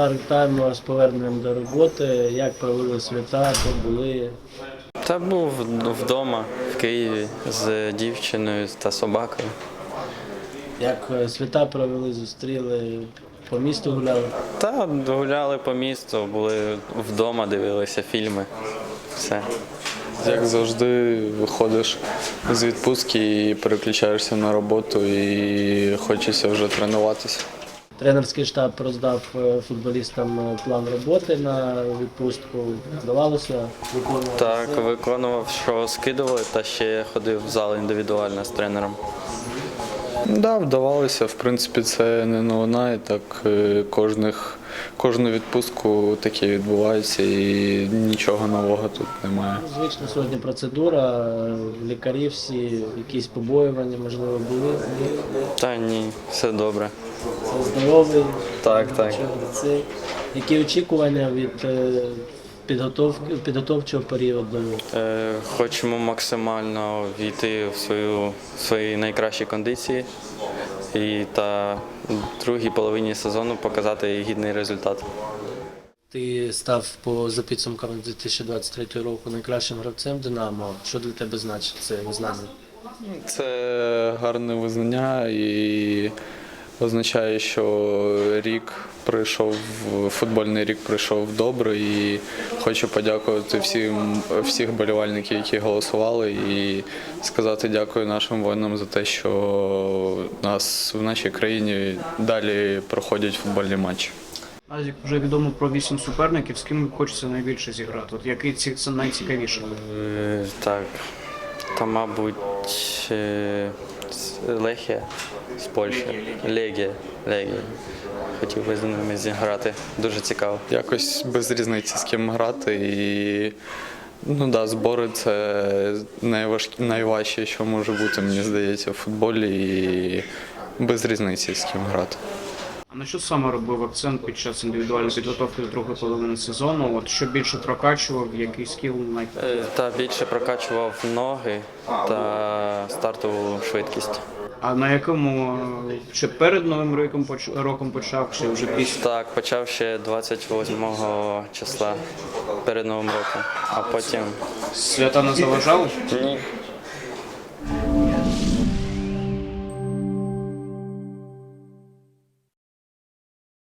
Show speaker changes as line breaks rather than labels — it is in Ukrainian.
Вітаємо з поверненням до роботи. Як провели свята, де були?
Та був вдома в Києві з дівчиною та собакою.
Як свята провели, зустріли, по місту гуляли?
Та гуляли по місту, були вдома, дивилися фільми. Все.
Як завжди, виходиш з відпустки і переключаєшся на роботу і хочеться вже тренуватися.
Тренерський штаб роздав футболістам план роботи на відпустку. Вдавалося виконувати?
Так, виконував, що скидували, та ще ходив в зал індивідуально з тренером.
Да, вдавалося. В принципі, це не новина, і так кожну відпустку таке відбувається і нічого нового тут немає.
Звична сьогодні процедура, лікарі всі, якісь побоювання, можливо, були?
Та ні, все добре.
Це здоровий?
Так, так.
Які очікування від підготовчого періоду?
Хочемо максимально війти в свої найкращі кондиції і та в другій половині сезону показати гідний результат.
Ти став за підсумками 2023 року найкращим гравцем «Динамо». Що для тебе значить це визнання?
Це гарне визнання і означає, що футбольний рік пройшов добре, і хочу подякувати всіх болівальників, які голосували, і сказати дякую нашим воїнам за те, що в нашій країні далі проходять футбольні матчі.
Назік, вже відомо про 8 суперників, з ким хочеться найбільше зіграти? От який це найцікавіше?
Так, та, мабуть, Лехія з Польщі. Легія. Хотів би з ними зіграти. Дуже цікаво.
Якось без різниці, з ким грати. І збори – це найважче, що може бути, мені здається, в футболі. І без різниці, з ким грати.
А на що саме робив акцент під час індивідуальної підготовки до другої половини сезону? От що більше прокачував, який скіл
Та більше прокачував ноги та стартову швидкість.
А на якому, чи перед Новим роком почав, чи вже після?
Так, почав ще 28 числа перед Новим роком, а потім...
Свята не заважали?
Ні.